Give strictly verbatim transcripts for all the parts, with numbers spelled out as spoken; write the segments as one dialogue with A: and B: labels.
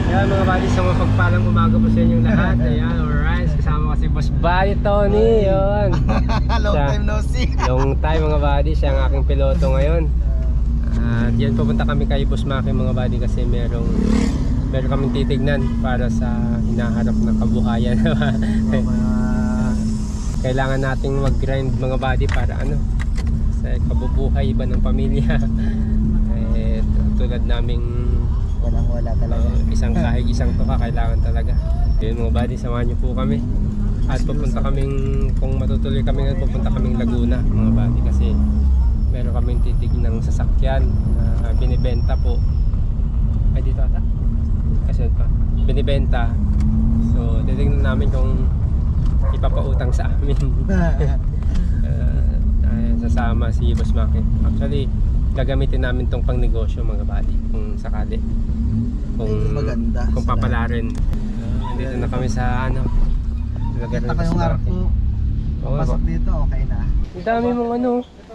A: Ayan mga buddy, sa mga pagpalang umaga po sa inyong lahat. Ayan, alright. Kasama kasi Boss Buddy Tony. Yun.
B: Long
A: Siya,
B: time no see.
A: Long time mga buddy. Siya ang aking piloto ngayon. At yan, pupunta kami kay Boss Maki mga buddy kasi merong meron kaming titignan para sa hinaharap na kabuhayan. Kailangan nating mag-grind mga buddy para ano, sa kabubuhay ba ng pamilya. Eh, tulad naming
B: Walang wala talaga.
A: uh, isang kahig, isang tuka, kailangan talaga. Yun mga buddy, samahan nyo po kami. At pupunta kaming, kung matutuloy kami ngayon, pupunta kaming Laguna mga buddy kasi meron kaming titig ng sasakyan na binibenta po. Ay dito ata? Kasi pa, binibenta. So titignan namin kung ipapautang sa amin. uh, uh, sasama si Boss Maki. Actually gagamitin namin tong pang negosyo mga buddy kung sakali, kung
B: maganda,
A: kung papalarin. Uh, dito na kami sa ano, lugar
B: Kita
A: na
B: kayong harap ko.
A: Oo,
B: Pasok dito, okay na.
A: ang dami mong ano.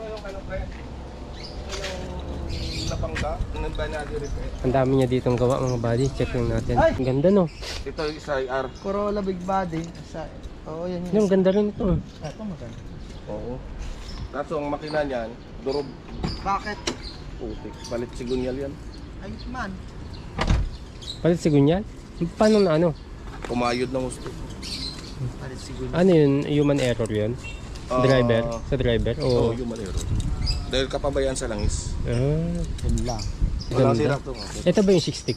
A: Ang dami niya ditong gawa mga buddy. Check lang natin.
B: Ay!
A: Ang ganda no.
C: Ito isa ay R.
B: Corolla Big Body. Sa, oo, yan
A: Yung ganda rin ito.
B: Ito maganda.
C: Oo. Kaso ang makina niyan, durog.
B: Bakit?
C: Putik. Palit sigunyal yan.
B: Ayos man.
A: Palit sigunyal? Paano na ano?
C: Kumayod ng gusto.
B: Palit siguro.
A: Ano yun? Human error yun?
C: Ah,
A: Driver? Sa driver?
C: Oo,
A: O
C: yung manero. Dahil kapabayaan sa langis.
A: ah,
B: Yun lang.
C: Walang
A: ganda.
C: sira to.
A: Ito ba yung sixty K?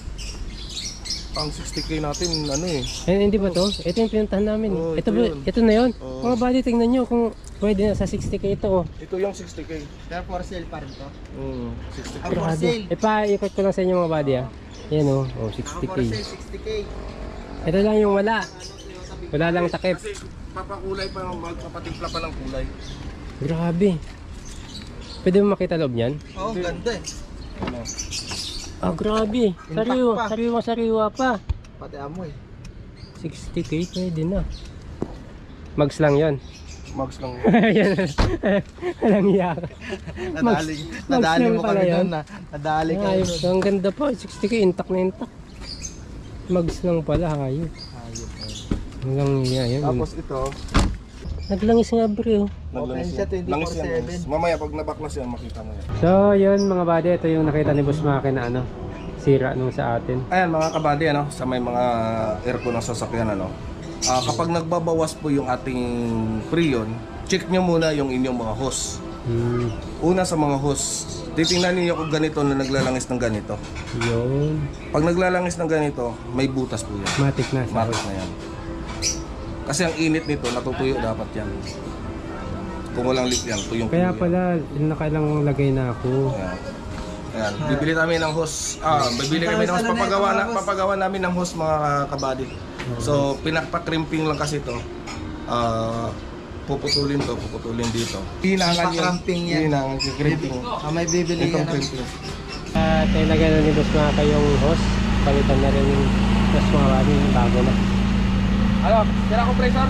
C: Ang sixty K natin, ano eh.
A: Eh, hindi ba to? Ito yung pinuntahan namin.
C: Oo,
A: ito,
C: ito
A: ba?
C: yun.
A: Ito na yun.
C: Oo.
A: Mga buddy, tingnan nyo kung pwede na sa sixty K ito. Oh.
C: Ito yung sixty K.
B: Pero for sale pa rin to.
C: Mm, sixty K.
B: Ang for sale.
A: Eh, pa-ikot ko lang sa inyo mga buddy ah. Yan oh, oh
B: Ang
A: sixty K.
B: for sale, sixty K.
A: Ito lang yung wala. Wala lang takip.
C: Kasi papakulay pa, magpapatimpla pa ng kulay.
A: Grabe. Pwede mo makita loob niyan?
B: Oo, oh, ganda eh.
C: Ano?
A: Ah, grabe. Sariwa,
B: pa.
A: sariwa, sariwa pa.
B: Pati amoy.
A: sixty K pwede na. Mags lang yon.
C: Mags lang.
A: Ayan. Walang iya.
B: Nadaling,
A: Max
B: nadaling
A: lang
B: mo
A: pala
B: kami
A: yun.
B: doon na. Nadali ka.
A: Ayos. Ang ganda pa. sixty K intact na intact. Mags lang pala. Hayop.
B: Ayos.
A: Hanggang iya. Yun.
C: Tapos ito,
A: Naglangis nga bro.
C: naglangis
B: siya,
C: yan.
B: twenty-four
C: Langis yan,
B: seven.
C: langis. Mamaya pag nabaklas yan, makita mo yan.
A: So yun mga buddy. Ito yung nakita ni Boss Maki na ano. Sira nung sa atin.
C: Ayan mga kabady, ano, sa may mga aircon ng sasakyan, ano, ah, kapag nagbabawas po yung ating freon, check nyo muna yung inyong mga hose.
A: Hmm.
C: Una sa mga hose, titingnan niyo kung ganito na naglalangis ng ganito.
A: Yun.
C: Pag naglalangis ng ganito, may butas po yan.
A: Matik na. sa
C: Matik na yan. Kasi ang init nito, natutuyo dapat yan. Kung walang leak yan, tuyong
A: Kaya pala, nakailang lagay na ako.
C: Ayan. Ayan. Bibili namin ng hose. Ah, bibili kami ng hose. Papagawa, na, papagawa namin ng hose mga kabady. So, pinakpa-crimping lang kasi ito. Ah, puputulin to, puputulin dito. Hinangan yun.
B: Pa-crimping yan.
C: Hinangan yung crimping.
B: Ah, may bibili
C: Itong
B: yan.
C: crimping.
A: At uh, ilagay na ni Boss Maka yung hose. Palitan na rin yung hose mga buddy. Bago na.
C: Ano? Sira compressor?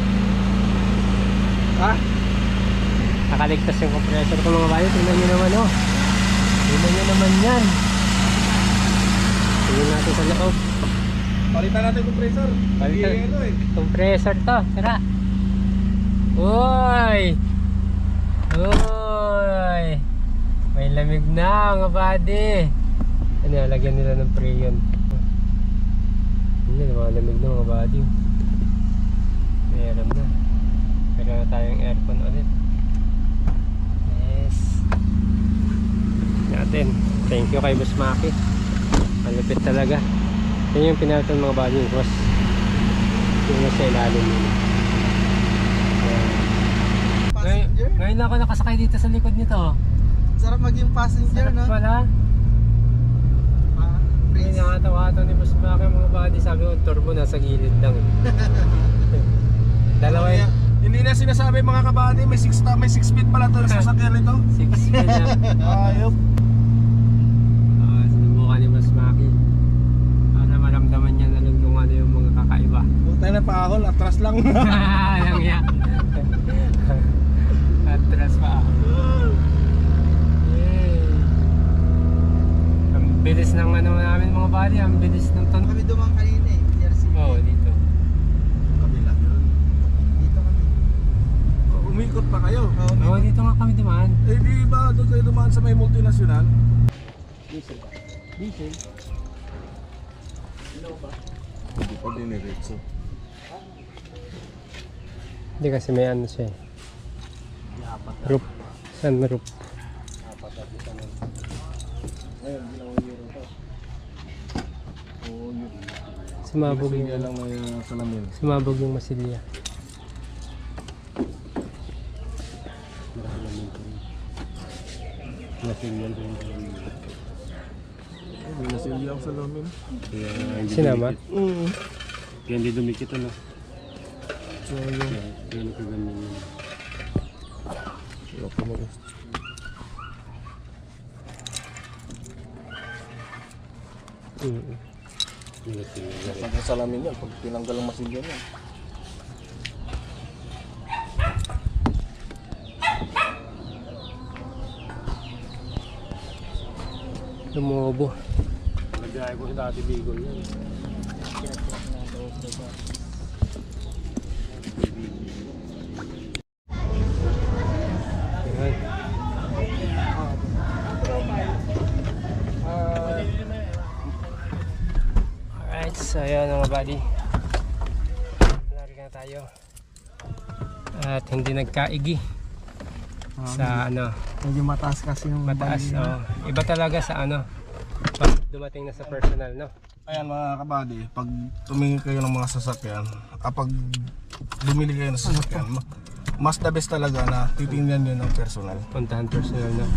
A: Ah! Nakaligtas yung compressor ko mga buddy. Tingnan nyo naman oh. Tingnan nyo naman yan. Tingnan natin sa loob.
C: Palitan natin yung compressor.
A: Palitan.
C: Hindi, ano eh.
A: Compressor to. Sira. Uy! Uy! May lamig na mga buddy. Ano yan? Lagyan nila ng freon. Hindi, mga lamig na mga buddy. Meron na. Meron na tayong aircon ulit. Yes. Natin. Thank you kay Boss Maki. Malupit talaga. Yan yung pinalitan mga buddy yung hose. Yung nasa ilalim nila. Ngayon, ngayon lang ako nakasakay dito sa likod nito.
B: Sarap maging passenger, no?
A: Wala.
B: Ah,
A: Ngayon
B: praise.
A: nakatawa ito ni Boss Maki mga buddy. Sabi ko, turbo nasa gilid lang. Dalawa yun.
C: Hindi na sinasabi mga kabady, may six may six feet pala to sa sasakyan nito.
A: Six feet na.
C: Ayop.
A: Ah, sinubukan ni Boss Maki. Para maramdaman niya na lang kung ano yung mga kakaiba.
C: Buta na paahol, atras lang.
A: Yang ya. Atras pa. Yay. Ang bilis ng ano namin mga buddy, ang bilis ng ton.
B: dumaan kanina eh. Jersey.
A: Oo, oh, dito.
C: Kabila yun.
B: Dito kami.
C: Oh, umikot pa kayo.
B: Oo,
A: Oo, oh, dito nga kami dumaan.
C: Eh di ba doon kayo dumaan sa may multinational?
A: Diesel. Diesel?
C: Hindi pa diniretso.
A: Hindi kasi may ano siya eh. Roof. Sunroof.
C: Ngayon, ginawa niyo ito. Oo, yun.
A: Sumabog
C: Kasi
A: yung,
C: lang may uh, salamin.
A: sumabog yung masilya. Masilya rin.
C: May nasilya ang salamin.
A: Sinama?
C: Mm.
A: Kaya hindi dumikit ano.
C: So yun.
A: Kaya nakaganyan yun.
C: Wala pa mo.
A: Mm.
C: Pag ang salamin yan, pag tinanggal ang masilya yan.
A: Lumobo. Nagaya ko sa dati Bigol yan. Ayan. Alright, so ayan mga buddy. Narika na tayo. At hindi nagkaigi sa ano,
B: Medyo mataas kasi yung
A: mataas.
B: bali.
A: Oh. Iba talaga sa ano, pag dumating na sa personal, no?
C: Ayan mga kabady, pag tumingin kayo ng mga sasakyan, kapag bumili kayo ng sasakyan, ma- mas the best talaga na titingnan nyo ng personal.
A: Puntahan personal na.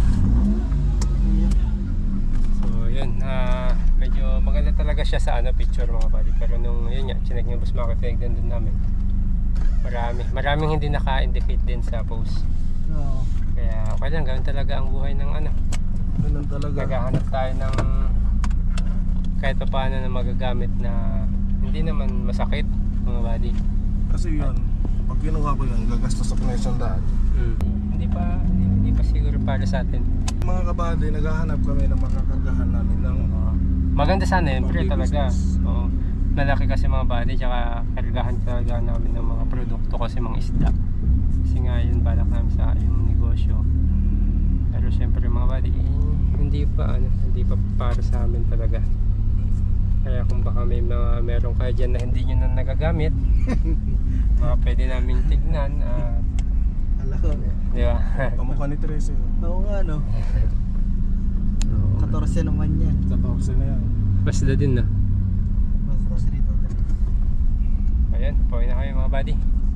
A: So yun, ah, medyo maganda talaga siya sa ano, picture mga buddy. Pero nung yun nga, chinek ng bus market din din namin. Marami, maraming hindi naka-indicate din sa post.
B: Oo.
A: Kaya okay lang, gawin talaga ang buhay ng ano.
C: Ganun talaga.
A: Naghahanap tayo ng kahit pa paano na magagamit na hindi naman masakit mga buddy.
C: Kasi yun, pag kinuha ko yun, gagastos ako na isang daan.
A: Mm. Hindi pa hindi, hindi pa siguro para sa atin.
C: Mga kabady, naghahanap kami ng makakargahan namin ng
A: Maganda sana yun, pre
C: Pang
A: talaga.
C: business.
A: Oo. Malaki kasi mga body, tsaka kargahan talaga namin ng mga produkto kasi mga isda. Kasi nga yun, balak namin sa yung negosyo. Pero syempre mga body, eh, hindi pa ano, hindi pa para sa amin talaga. Kaya kung baka may mga meron kayo dyan na hindi nyo na nagagamit, mga pwede namin tignan. ah,
B: Alam ko.
A: di ba?
C: kamukha ni Tracy.
B: Oo nga no. fourteen naman yan.
C: Tapos na yan.
A: Basta din na.
B: Basta three total.
A: Ayan, pauwi na kami mga buddy.